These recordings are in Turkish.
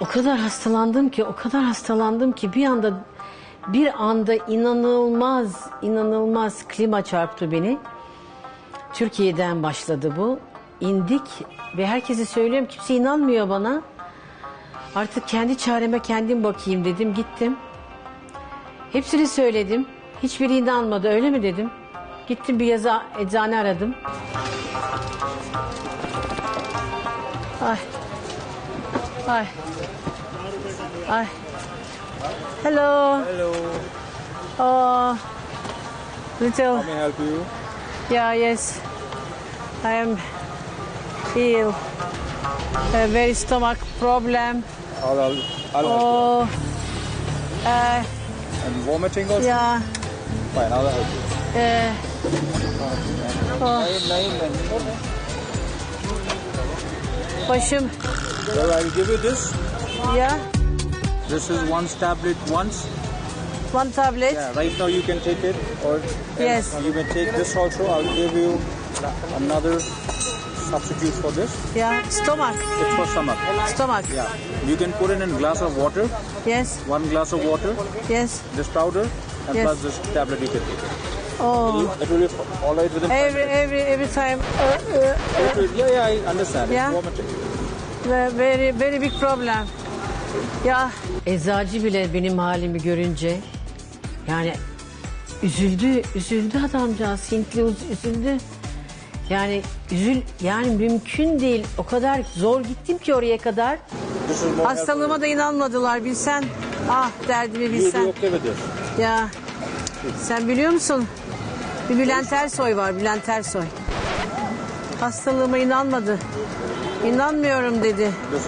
O kadar hastalandım ki bir anda inanılmaz klima çarptı beni. Türkiye'den başladı bu. İndik ve herkese söylüyorum, kimse inanmıyor bana. Artık kendi çareme kendim bakayım dedim, gittim. Hepsini söyledim. Hiçbiri inanmadı, öyle mi dedim. Gittim bir eczane aradım. Ay. Hello. Hello. Oh, little. How may I help you? Yeah, yes. I am ill. A very stomach problem. I'll help Oh. you. And vomiting also? Yeah. Fine, I'll help you. Nine. Başım. Well, I'll give you this. Yeah. This is one tablet once. One tablet. Yeah, right now you can take it, or Yes. you may take this also. I'll give you another substitute for this. Yeah. Stomach. It's for stomach. Stomach. Yeah. You can put it in a glass of water. Yes. One glass of water. Yes. This powder and Yes. plus this tablet you can take it. Oh. It will be all right within 5 minutes. Every time. Yeah, I understand. Yeah. It's vomiting. Very big problem. Ya eczacı bile benim halimi görünce yani üzüldü adamcağız, Hintli üzüldü. Yani mümkün değil. O kadar zor gittim ki oraya kadar. Hastalığıma da inanmadılar, bilsen. Ah, derdimi You'll be bilsen. okay with this. Ya sen biliyor musun? Bir Bülent Ersoy var, Bülent Ersoy. Hastalığıma inanmadı. İnanmıyorum dedi.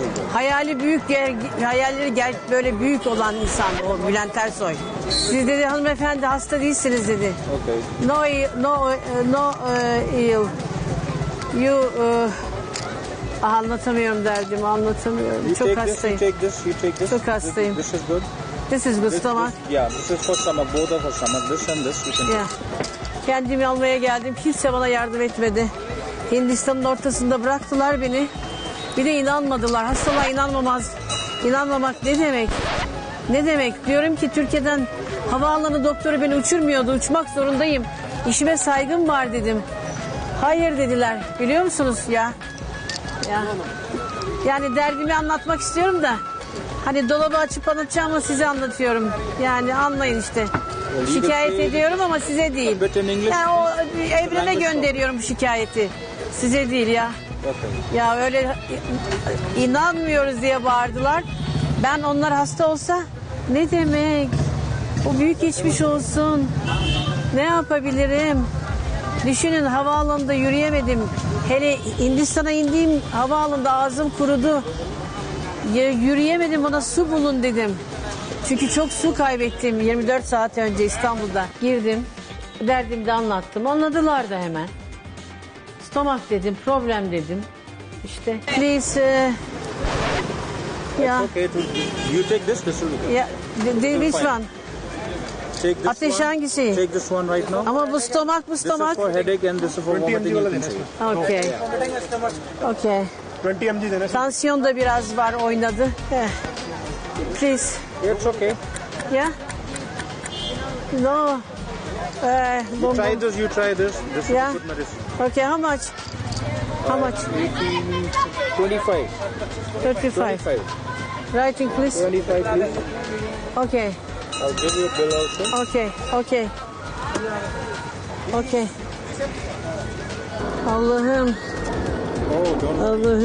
Hayalleri böyle büyük olan insan o Bülent Ersoy. Siz dedi hanımefendi hasta değilsiniz dedi. Okay. No ill. You anlatamıyorum derdimi, anlatamıyorum. You Çok take hastayım. This, you take this. Çok hastayım. This is good. This is good stomach. Yeah, this is for stomach. Both are for stomach. This and this you can Yeah. Kendimi almaya geldim. Kimse bana yardım etmedi. Hindistan'ın ortasında bıraktılar beni. Bir de inanmadılar. Hastalığa inanmamak ne demek? Ne demek? Diyorum ki Türkiye'den havaalanı doktoru beni uçurmuyordu. Uçmak zorundayım. İşime saygım var dedim. Hayır dediler. Biliyor musunuz ya? Yani derdimi anlatmak istiyorum da. Hani dolabı açıp anlatacağım ama size anlatıyorum. Yani anlayın işte. Şikayet ediyorum ama size değil. Yani o evrene gönderiyorum bu şikayeti. Size değil ya. Ya öyle inanmıyoruz diye bağırdılar. Ben onlar hasta olsa ne demek? O büyük geçmiş olsun. Ne yapabilirim? Düşünün, havaalanında yürüyemedim. Hele Hindistan'a indiğim havaalanında ağzım kurudu. Yürüyemedim, bana su bulun dedim. Çünkü çok su kaybettim 24 saat önce İstanbul'da. Girdim, derdimi de anlattım. Anladılar da hemen. Stomak dedim, problem dedim. İşte. Please. Yeah. Okay, you take this will be good. Yeah. Which one? Take this Ateş one. hangisi? Take this one right now. Ama bu stomak. This is for headache and this is for vomiting. You can take. Okay. Okay. 20 mg देना Tansiyon da biraz var, oynadı. Please. It's okay. Yeah. No. You try this. This Yeah. is good medicine. Okay, how much? How much? 25. 35. Writing please. 25 please. Okay. I'll give you a bill also. Okay. Allah'ım. Oh, don't.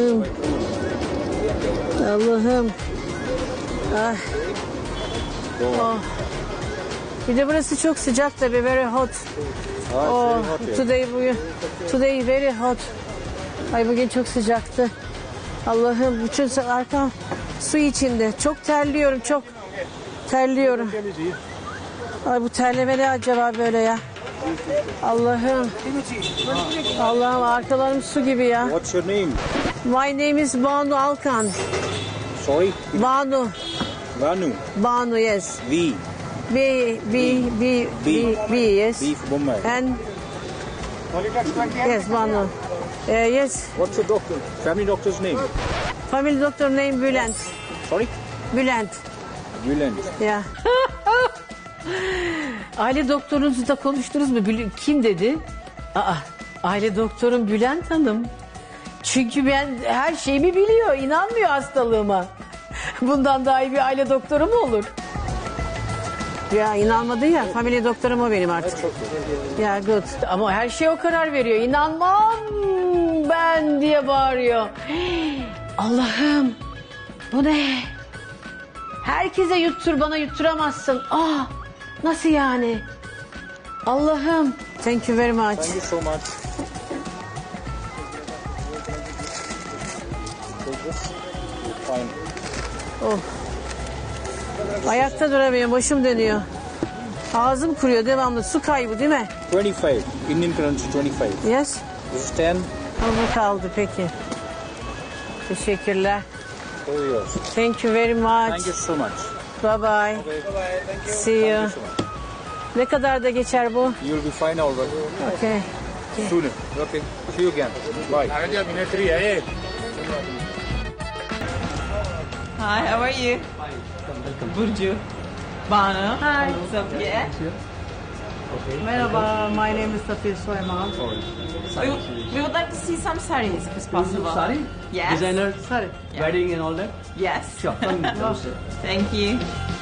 Allah'ım. Ah. Oh. Bir de burası çok sıcak tabii, very hot. Oh, today very hot. Ay bugün çok sıcaktı. Allah'ım, bütün arkam su içinde. Çok terliyorum, çok terliyorum. Ay bu terleme ne acaba böyle ya? Allah'ım. Allah'ım, arkalarım su gibi ya. What's your name? My name is Banu Alkan. Sorry? Banu. Banu, yes. V. B, yes. B for Bombay. And yes, Banu. Yes. What's your family doctor's name? Family doctor name Bülent. Sorry? Bülent. Bülent. Ya. Aile doktorunuzu da konuştunuz mu? Kim dedi? Aile doktorum Bülent Hanım. Çünkü ben her şeyimi biliyor. İnanmıyor hastalığıma. Bundan daha iyi bir aile doktoru mu olur? Ya inanmadı ya. Family doktorum o benim artık. Ya good. Ama her şeye o karar veriyor. İnanmam ben diye bağırıyor. Allah'ım bu ne? Herkese yuttur, bana yutturamazsın. Nasıl yani? Allah'ım. Thank you very much. Thank you so much. Fine. Ayakta duramıyorum, başım dönüyor. Ağzım kuruyor devamlı. Su kaybı değil mi? 25. Indian currency 25. Yes. This is 10. Bu kaldı peki. Teşekkürler. So yours. Thank you very much. Thank you so much. Bye bye. Okay. Bye-bye. Thank you. See you. Thank you so much. Ne kadar da geçer bu? You'll be fine already. Okay. Soon. Okay. See you again. Bye. Hi, how are you? Burcu. Banu. Hi. Safiye. Merhaba, my name is Safiye Soyman. We would like to see some sarees if it's possible. Sari? Yes. Designer, Sorry. wedding and all that? Yes. Sure, come downstairs. Thank you.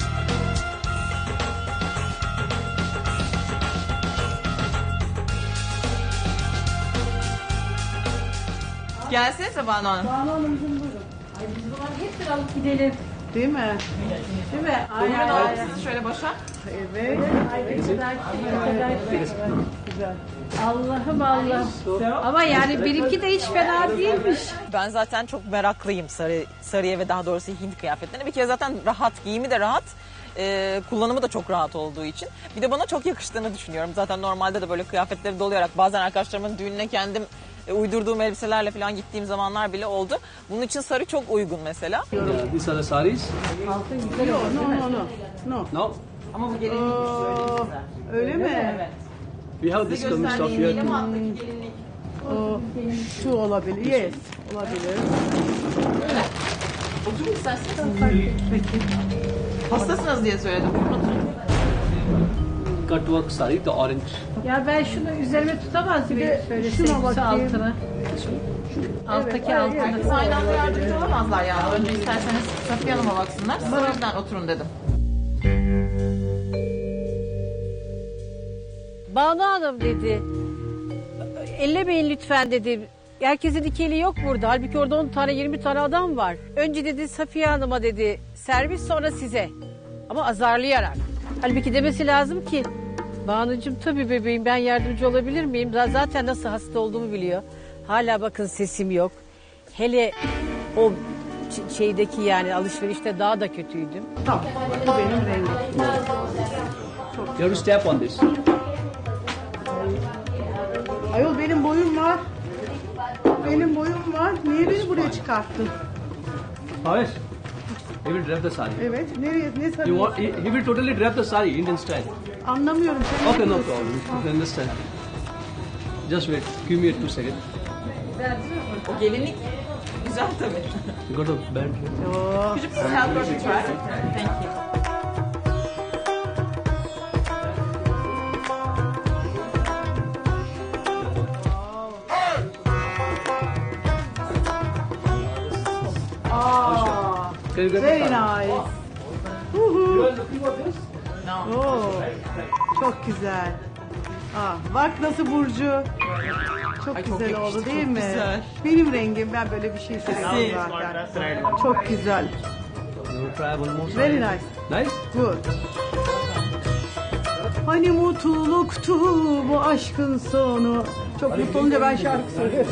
Gelsenize Banu Hanım. Banu Hanımcığım buyurun. Ay biz bunları hep bir alıp gidelim. Değil mi? Değil mi? Ay, Buyurun alalım sizi şöyle başa. Evet. Ay ne kadar güzel. Allah'ım Allah'ım. Ama yani benimki de hiç fena değilmiş. Ben zaten çok meraklıyım sarıya ve daha doğrusu Hint kıyafetlerine. Bir kere zaten rahat, giyimi de rahat. Kullanımı da çok rahat olduğu için. Bir de bana çok yakıştığını düşünüyorum. Zaten normalde de böyle kıyafetleri dolayarak bazen arkadaşlarımın düğününe kendim uydurduğum elbiselerle falan gittiğim zamanlar bile oldu. Bunun için sarı çok uygun mesela. These are the saris. Altın güzel olur. No. No, Ama bu gelinlik öyle güzel. Öyle mi? Evet. we have this coming stuff Gösterdiğim here değil too. ama alttaki gelinlik. Şu olabilir. Yes. Olabilir. Oturun isterseniz. Hastasınız diye söyledim. Oturun. Cut work sari, the orange. Ya ben şunu üzerime tutamaz mıyım? Şöyle şuna altına. Alttaki altına. Aynı anda yardımcı olamazlar yani. Önce isterseniz Safiye Hanım'a baksınlar. Siz o yüzden oturun dedim. Banu Hanım dedi. Ellemeyin lütfen dedi. Herkesin iki eli yok burada. Halbuki orada 10 tane 20 tane adam var. Önce dedi Safiye Hanım'a dedi servis sonra size. Ama azarlayarak. Halbuki demesi lazım ki Banu'cum tabii bebeğim ben yardımcı olabilir miyim? Zaten nasıl hasta olduğumu biliyor. Hala bakın sesim yok. Hele o şeydeki yani alışverişte daha da kötüydüm. Tamam. Bu benim rengim. You have to step on this. Ayol benim boyum var. Benim boyum var. Niye beni buraya çıkarttın? Havesh, he will wrap the sari. Evet. Nereye? Ne You sarıyorsun? want, he will totally wrap the sari, Indian style. Anlamıyorum. Sen ne Okay, no diyorsun? problem. You can understand. Just wait. Give me 2 seconds. O gelinlik güzel tabii. You got a band here. Could you please help her to try? Thank you. Can you get Very the sari? nice. You are looking for this? No. Oo, çok güzel. Bak nasıl Burcu. Çok Ay, çok güzel yakıştı, oldu değil çok mi? güzel. Benim rengim. Ben böyle bir şey seviyorum zaten. Çok güzel. You try one more sari. Very nice. Nice? Good. Hani mutluluktu bu aşkın sonu. Çok mutlu olunca ben şarkı söylüyorum.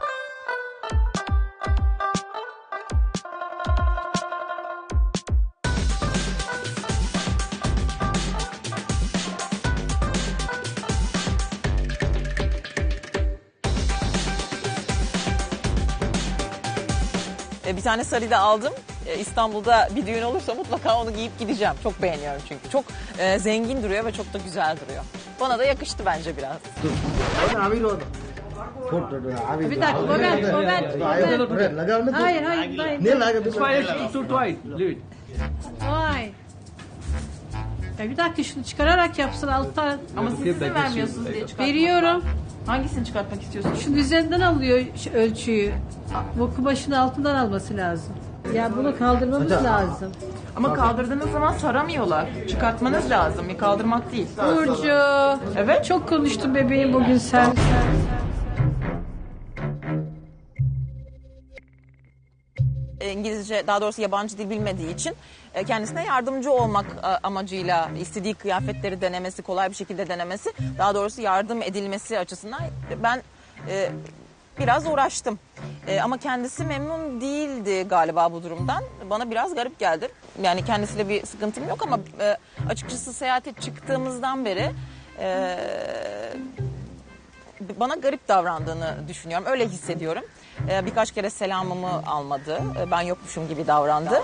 Bir tane sarı da aldım. İstanbul'da bir düğün olursa mutlaka onu giyip gideceğim. Çok beğeniyorum çünkü. Çok zengin duruyor ve çok da güzel duruyor. Bana da yakıştı bence biraz. Bir dakika Moment. Hayır. It's fine. It's too twice. Leave it. Vay. Ya bir dakika şunu çıkararak yapsın alttan. Ama siz izin vermiyorsunuz diye çıkartmak. Veriyorum. Hangisini çıkartmak istiyorsunuz? Şunun üzerinden alıyor ölçüyü. Bu kumaşın altından alması lazım. Ya bunu kaldırmamız lazım. Ama kaldırdığınız zaman saramıyorlar. Çıkartmanız lazım. Kaldırmak değil. Burcu. Evet. Çok konuştun bebeğim bugün sen. İngilizce, daha doğrusu yabancı dil bilmediği için kendisine yardımcı olmak amacıyla istediği kıyafetleri denemesi, kolay bir şekilde denemesi, daha doğrusu yardım edilmesi açısından ben biraz uğraştım. Ama kendisi memnun değildi galiba bu durumdan. Bana biraz garip geldi. Yani kendisiyle bir sıkıntım yok ama açıkçası seyahate çıktığımızdan beri bana garip davrandığını düşünüyorum. Öyle hissediyorum. Birkaç kere selamımı almadı. Ben yokmuşum gibi davrandı.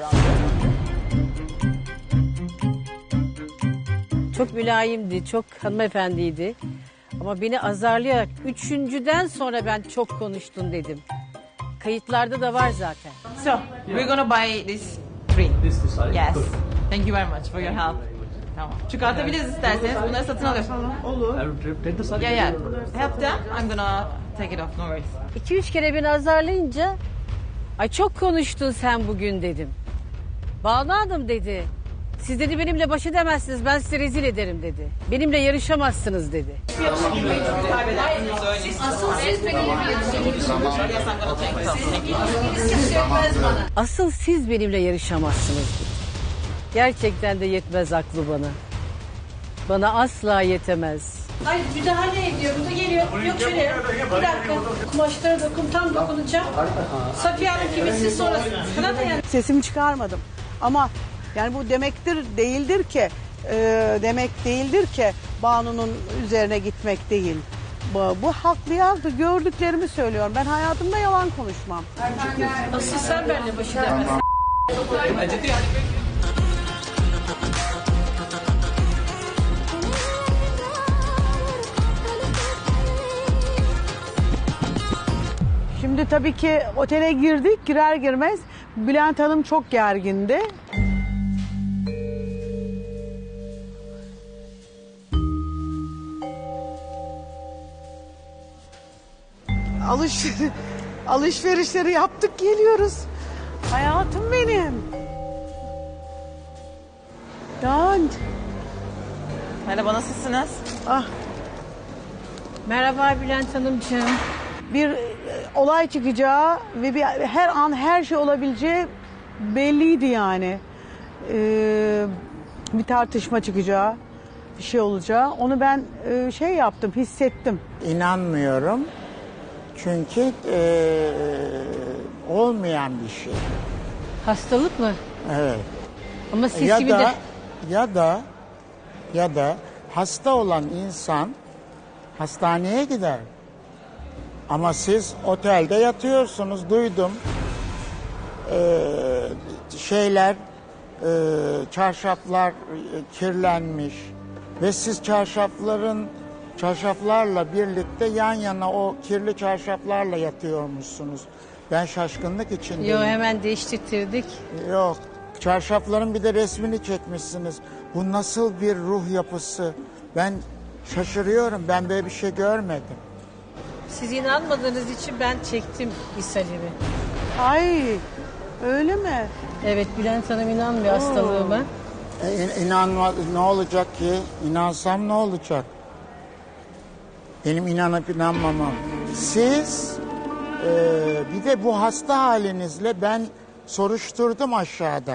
Çok mülayimdi, çok hanımefendiydi. Ama beni azarlayarak üçüncüden sonra ben çok konuştun dedim. Kayıtlarda da var zaten. So, we're gonna buy this tree. This is sorry. Yes. Thank you very much for your help. Tamam. Çıkartabiliriz isterseniz. Bunları satın alıyorum. Olur. I will take the saree. Yeah. Help them. I'm gonna take it off. No worries. 2-3 kere beni azarlayınca ay çok konuştun sen bugün dedim. Banu Hanım dedi. Siz dedi benimle baş edemezsiniz, ben sizi rezil ederim dedi. Benimle yarışamazsınız dedi. Asıl siz benimle yarışamazsınız dedi. Gerçekten de yetmez aklı bana. Bana asla yetemez. Hayır müdahale ediyor. Bu da geliyor. Yok şöyle. Bir dakika. Kumaşlara tam dokunacağım. Safiye Hanım kimisi sonra sana da yani. Sesimi çıkarmadım. Ama yani bu demek değildir ki Banu'nun üzerine gitmek değil. Bu haklı yazdı. Gördüklerimi söylüyorum. Ben hayatımda yalan konuşmam. Asıl sen benimle baş edemezsin. Şimdi tabii ki otele girdik. Girer girmez Bülent Hanım çok gergindi. Alışverişleri yaptık geliyoruz. Hayatım benim. Yani Merhaba, nasılsınız? Merhaba Bülent Hanımcığım. bir olay çıkacağı ve her an her şey olabileceği belliydi yani. Bir tartışma çıkacağı, bir şey olacağı. Onu ben şey yaptım, hissettim. İnanmıyorum. Çünkü olmayan bir şey. Hastalık mı? Evet. Ama siz gibi de... Ya da hasta olan insan hastaneye gider. Ama siz otelde yatıyorsunuz, duydum. Çarşaflar kirlenmiş ve siz çarşaflarla birlikte yan yana o kirli çarşaflarla yatıyormuşsunuz. Ben şaşkınlık içindeyim. Yo hemen değiştirdik. Yok. Çarşafların bir de resmini çekmişsiniz. Bu nasıl bir ruh yapısı? Ben şaşırıyorum. Ben böyle bir şey görmedim. Siz inanmadığınız için ben çektim ishalimi. Ay öyle mi? Evet Bülent Hanım inanmıyor hastalığıma. İnanma, ne olacak ki? İnansam ne olacak? Benim inanıp inanmamam. Siz bir de bu hasta halinizle ben soruşturdum aşağıda.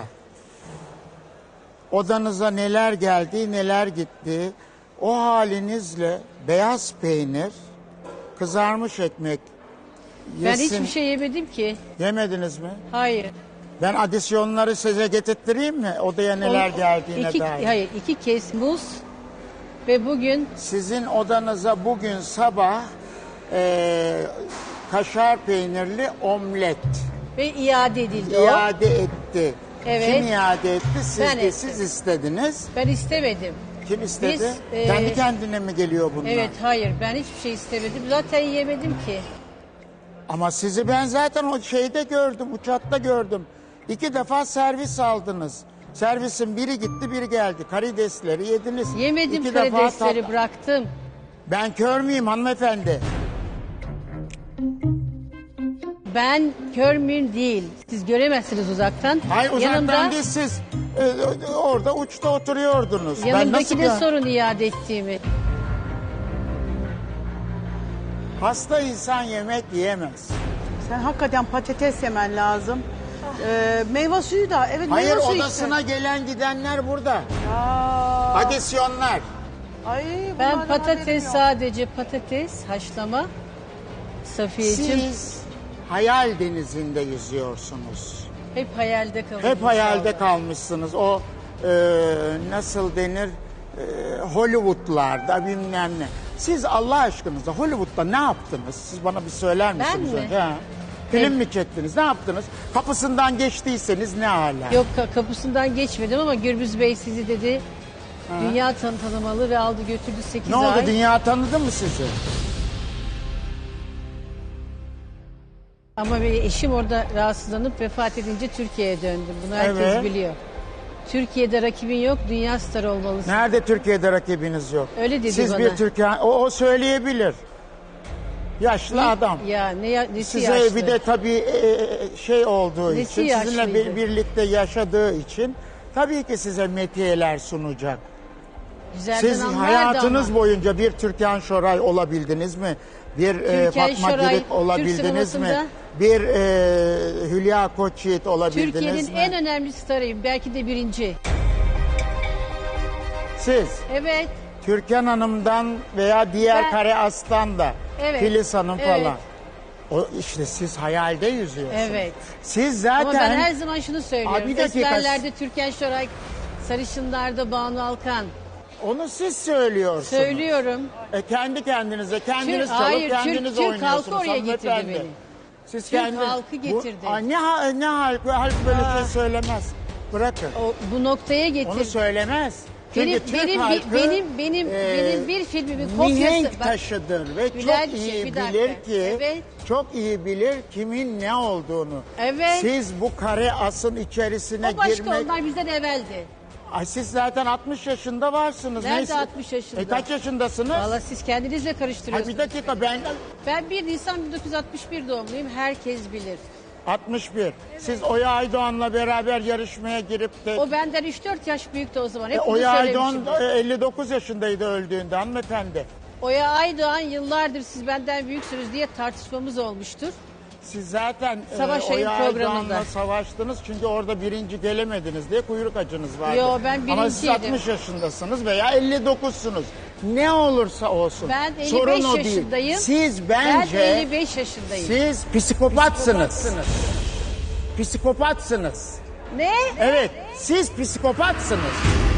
Odanıza neler geldi, neler gitti. O halinizle beyaz peynir, kızarmış ekmek Ben yesin. hiçbir şey yemedim ki. Yemediniz mi? Hayır. Ben adisyonları size getirttireyim mi? Odaya neler geldiğine dair. Hayır 2 kez muz ve bugün Sizin odanıza bugün sabah kaşar peynirli omlet ve iade edildi iade etti. Evet. Kim iade etti? Siz Ben de ettim. siz istediniz. Ben istemedim. Kim istedi? Biz, Kendi kendine mi geliyor bunlar? Evet, hayır, ben hiçbir şey istemedim. Zaten yemedim ki. Ama sizi ben zaten o şeyde gördüm, uçakta gördüm. 2 defa servis aldınız. Servisin biri gitti, biri geldi. Karidesleri yediniz. Yemedim 2 defa karidesleri, bıraktım. Ben kör müyüm hanımefendi? Ben kör müyüm değil. Siz göremezsiniz uzaktan. Hayır uzaktan değil, siz orada uçta oturuyordunuz. Ben nasıl Yanımdakine sorun iade ettiğimi. Hasta insan yemek yiyemez. Sen hakikaten patates yemen lazım. Meyve suyu da. Evet, Hayır, meyve suyu odasına gelen gidenler burada. Ya. Adisyonlar. Ay, Ben bunlardan haberim patates, yok. sadece patates, haşlama. Safiyeciğim, Siz hayal denizinde yüzüyorsunuz. hep hayalde kaldım. Hep hayalde kalmışsınız. O nasıl denir? Hollywood'larda bilmem ne. Siz Allah aşkınıza Hollywood'da ne yaptınız? Siz bana bir söyler misiniz mi? önce? Ha? Film mi çektiniz? Ne yaptınız? Kapısından geçtiyseniz ne hala? Yok, kapısından geçmedim ama Gürbüz Bey sizi dedi. Dünya tanımalı ve aldı götürdü 8 Ne ay. oldu? Dünya tanıdı mı sizi? Ama benim eşim orada rahatsızlanıp vefat edince Türkiye'ye döndüm. Bunu herkes Evet. biliyor. Türkiye'de rakibin yok, dünya starı olmalısın. Nerede Türkiye'de rakibiniz yok? Öyle dedi Siz bana. bir Türkiye... O söyleyebilir. Yaşlı adam. Ya nesi Size yaşlı? bir de tabii şey olduğu Nesi için, sizinle yaşlıydı? birlikte yaşadığı için tabii ki size metiyeler sunacak. Güzelden Siz anlardı hayatınız ama. boyunca bir Türkan Şoray olabildiniz mi? Bir Türkan Fatma Şoray, Girik olabildiniz Türk mi? sinemasında- Bir Hülya Koçyiğit olabildiniz Türkiye'nin mi? en önemli starıyım. Belki de birinci. Siz Evet. Türkan Hanım'dan veya diğer Ben- Kare Aslan da Evet. Filiz Hanım Evet. falan. O işte siz hayalde yüzüyorsunuz. Evet. Siz zaten Ama ben her zaman şunu söylüyorum. Abi bir dakika. Esmerlerde Türkan Şoray, sarışınlarda Banu Alkan. onu siz söylüyorsunuz. Söylüyorum. Kendi kendinize kendiniz çalıp Hayır, kendiniz Türk oynuyorsunuz. halkı oraya getirdi hanımefendi. beni. Siz Türk halkı getirdi. Ne halk böyle şey söylemez. Bırakın. Bu noktaya getirdi. Onu söylemez. Çünkü Benim, Türk benim, halkı benim bir filmimin kopyası. mihenk Bak, taşıdır ve Bülent, çok iyi bir dakika. bilir ki Evet. çok iyi bilir kimin ne olduğunu. Evet. Siz bu kare asın içerisine o başka, girmek... onlar bizden evveldi. Ay siz zaten 60 yaşında varsınız. Nerede Neyse. 60 yaşında? Kaç yaşındasınız? Valla siz kendinizle Ay karıştırıyorsunuz. bir dakika Ben 1 Nisan 1961 doğumluyum. Herkes bilir. 61. Siz Oya Aydoğan'la beraber yarışmaya girip de... O benden 3-4 yaş büyüktü o zaman. Hep bunu Oya Aydoğan söylemişim. 59 yaşındaydı öldüğünde hanımefendi. Oya Aydoğan yıllardır siz benden büyüksünüz diye tartışmamız olmuştur. Siz zaten Savaş Ayı Oya programında. Aydoğan'la savaştınız çünkü orada birinci gelemediniz diye kuyruk acınız vardı. Yo, ben Ama siz birinciydim. 60 yaşındasınız veya 59'sunuz. Ne olursa olsun. Ben 55 Sorun o yaşındayım. değil. Siz Ben bence... 55 yaşındayım. Siz psikopatsınız. Psikopatsınız. Ne? Evet, siz psikopatsınız.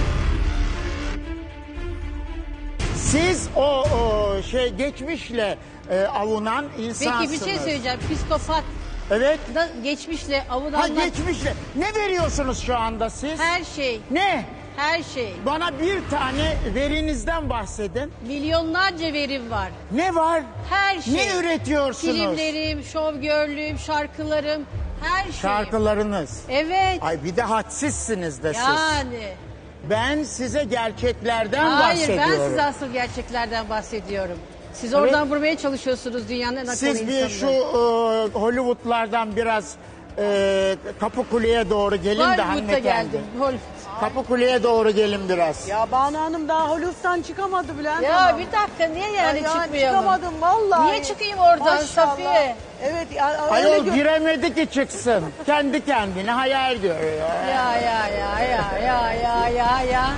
Siz o geçmişle avunan insansınız. Peki bir şey söyleyeceğim. Psikopat Evet. da geçmişle Ha avunanlar geçmişle. Ne veriyorsunuz şu anda siz? her şey, Ne? her şey. Bana bir tane verinizden bahsedin. Milyonlarca verim var. Ne var? Her şey. Ne üretiyorsunuz? Filmlerim, şovgörlüğüm, şarkılarım, her şey. Şarkılarınız. Evet. Ay bir de hadsizsiniz de siz. Yani. Ben size gerçeklerden Hayır, bahsediyorum. ben size asıl gerçeklerden bahsediyorum. Siz oradan vurmaya çalışıyorsunuz dünyanın en akıllı Siz bir insanını. şu Hollywood'lardan biraz Kapıkule'ye doğru gelin de Hollywood'da hanımefendi. geldim. Kapıkule'ye doğru gelin biraz. Ya Banu Hanım daha Hollywood'dan çıkamadı Bülent Ya Hanım. bir dakika, niye yani Ya çıkmayalım? çıkamadım vallahi. Niye çıkayım oradan Maşallah. Safiye? Evet. Ya, öyle Ayol giremedi ki çıksın. Kendi kendine hayal görüyor. Ya.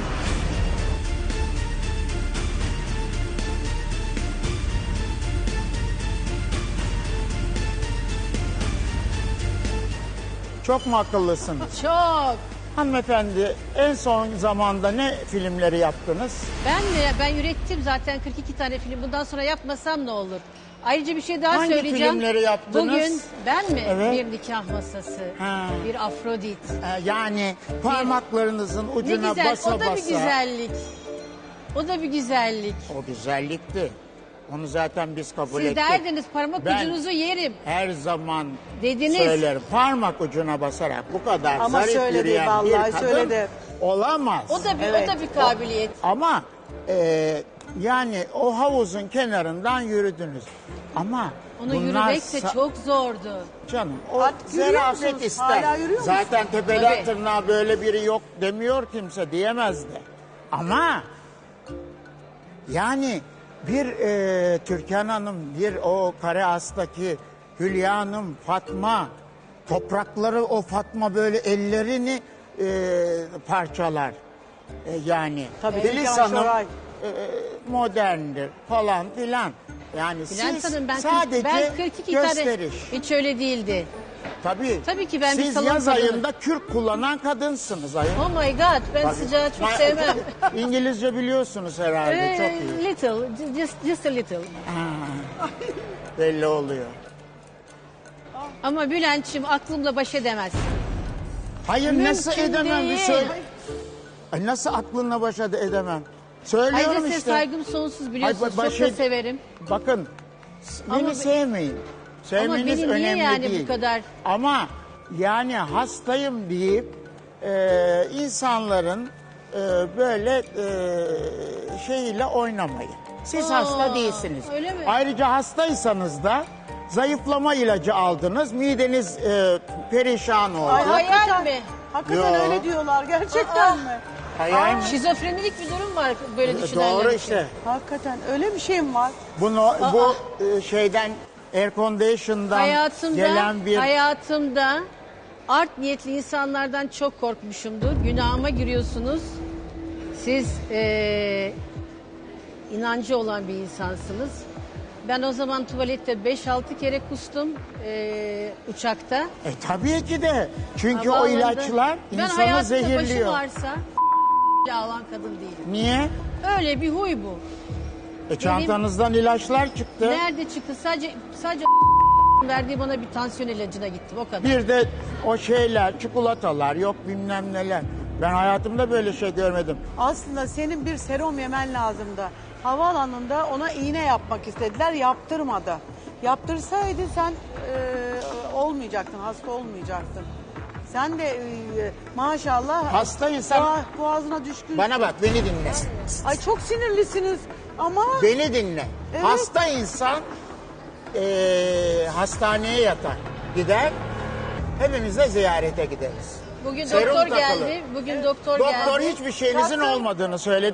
Çok mu akıllısınız? Çok. Hanımefendi en son zamanda ne filmleri yaptınız? Ben ürettim zaten 42 tane film. Bundan sonra yapmasam ne olur? Ayrıca bir şey daha Hangi söyleyeceğim. filmleri yaptınız? Bugün ben mi? Evet. Bir nikah masası, Ha. bir Afrodit. Yani parmaklarınızın Ne ucuna güzel, basa o da basa. bir güzellik. O da bir güzellik. O güzellikti. Onu zaten biz kabul Siz ettik. derdiniz parmak Ben ucunuzu yerim. her zaman Dediniz. söylerim. Parmak ucuna basarak bu kadar Ama zarif söyledi, yürüyen bir vallahi kadın söyledi. olamaz. O da bir Evet. o da bir kabiliyet. Ama yani o havuzun kenarından yürüdünüz. Ama Onu bunlar yürümek de çok zordu. canım o Artık yürüyor zarafet musunuz? ister. Hala yürüyor musunuz? Zaten tepeden Tabii. tırnağa böyle biri yok demiyor kimse, diyemez de. Ama yani bir Türkan Hanım, bir o Kare As'taki Hülya Hanım, Fatma, toprakları o Fatma böyle ellerini parçalar. Yani Tabii, Filiz Türkan Hanım Şoray. moderndir falan filan. Yani Bülent siz Hanım sadece ben 42 tane gösteriş. hiç öyle değildi. Tabii ki ben bir siz salon yaz kadını. ayında kürk kullanan kadınsınız ayol. Oh my god ben Bak- sıcağı çok sevmem. İngilizce biliyorsunuz herhalde çok iyi. Little, just a little. Belli oluyor. Ama Bülent'ciğim aklımla baş edemez. Hayır nasıl Mümkün edemem bir değil. söyle. Ay, nasıl aklınla baş edemem? Ayrıca Söylüyorum size işte. saygım sonsuz biliyorsunuz. Ay, çok da severim. Bakın beni Ama sevmeyin. Sevmeniz beni niye önemli yani bu değil. kadar? Ama yani hastayım deyip insanların böyle şeyiyle oynamayın. Siz hasta değilsiniz. öyle mi? Ayrıca hastaysanız da zayıflama ilacı aldınız. Mideniz perişan oldu. Ay, Hayal hakikaten, mi? hakikaten Yo. öyle diyorlar gerçekten mi? Hayal mi? Şizofrenilik bir durum var böyle düşünenler Doğru için. işte. Hakikaten öyle bir şey mi var? Bu şeyden air condition'dan gelen bir Hayatımda art niyetli insanlardan çok korkmuşumdur. Günahıma giriyorsunuz. Siz inancı olan bir insansınız. Ben o zaman tuvalette 5-6 kere kustum uçakta. Tabii ki de. Çünkü o Havaalanında. ilaçlar Ben insanı hayatımda zehirliyor. başım ağrısa alan kadın değilim. Niye? Öyle bir huy bu. Çantanızdan ilaçlar çıktı. Nerede çıktı? Sadece verdiği bana bir tansiyon ilacına gittim o kadar. Bir de o şeyler, çikolatalar, yok bilmem neler. Ben hayatımda böyle şey görmedim. Aslında senin bir serum yemen lazımdı. Havaalanında ona iğne yapmak istediler, yaptırmadı. Yaptırsaydı sen olmayacaktın, hasta olmayacaktın. Sen de maşallah Hastaysan boğazına düşkün. bana bak, beni dinle. Ay çok sinirlisiniz ama Beni dinle. Evet. Hasta insan hastaneye yatar, gider. Hepimiz de ziyarete gideriz. Bugün Serum doktor takılı. geldi. Bugün doktor geldi. Doktor hiçbir şeyinizin olmadığını söyledi.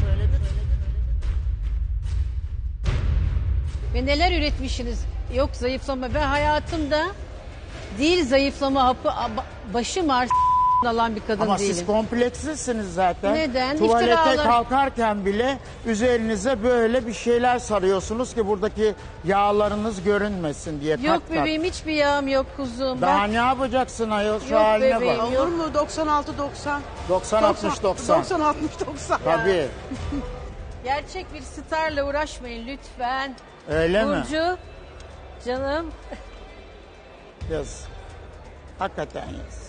Ve neler üretmişsiniz? Yok zayıflama. Ben hayatımda değil zayıflama hapı başım ağrı alan bir kadın Ama değilim. siz kompleksizsiniz zaten. Neden? Tuvalete İftiralar. kalkarken bile üzerinize böyle bir şeyler sarıyorsunuz ki buradaki yağlarınız görünmesin diye. Yok tak bebeğim hiçbir yağım yok kuzum. tak. Daha Bak, ne yapacaksın ayol, şu Yok haline bebeğim. bak. olur mu 96-90? 90-60-90. 90-60-90. Tabii. gerçek bir starla uğraşmayın lütfen. Öyle mi? Burcu, canım. Yaz. Hakikaten yaz.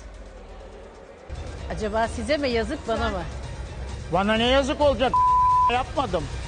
Acaba size mi yazık bana mı? Bana ne yazık olacak? Yapmadım.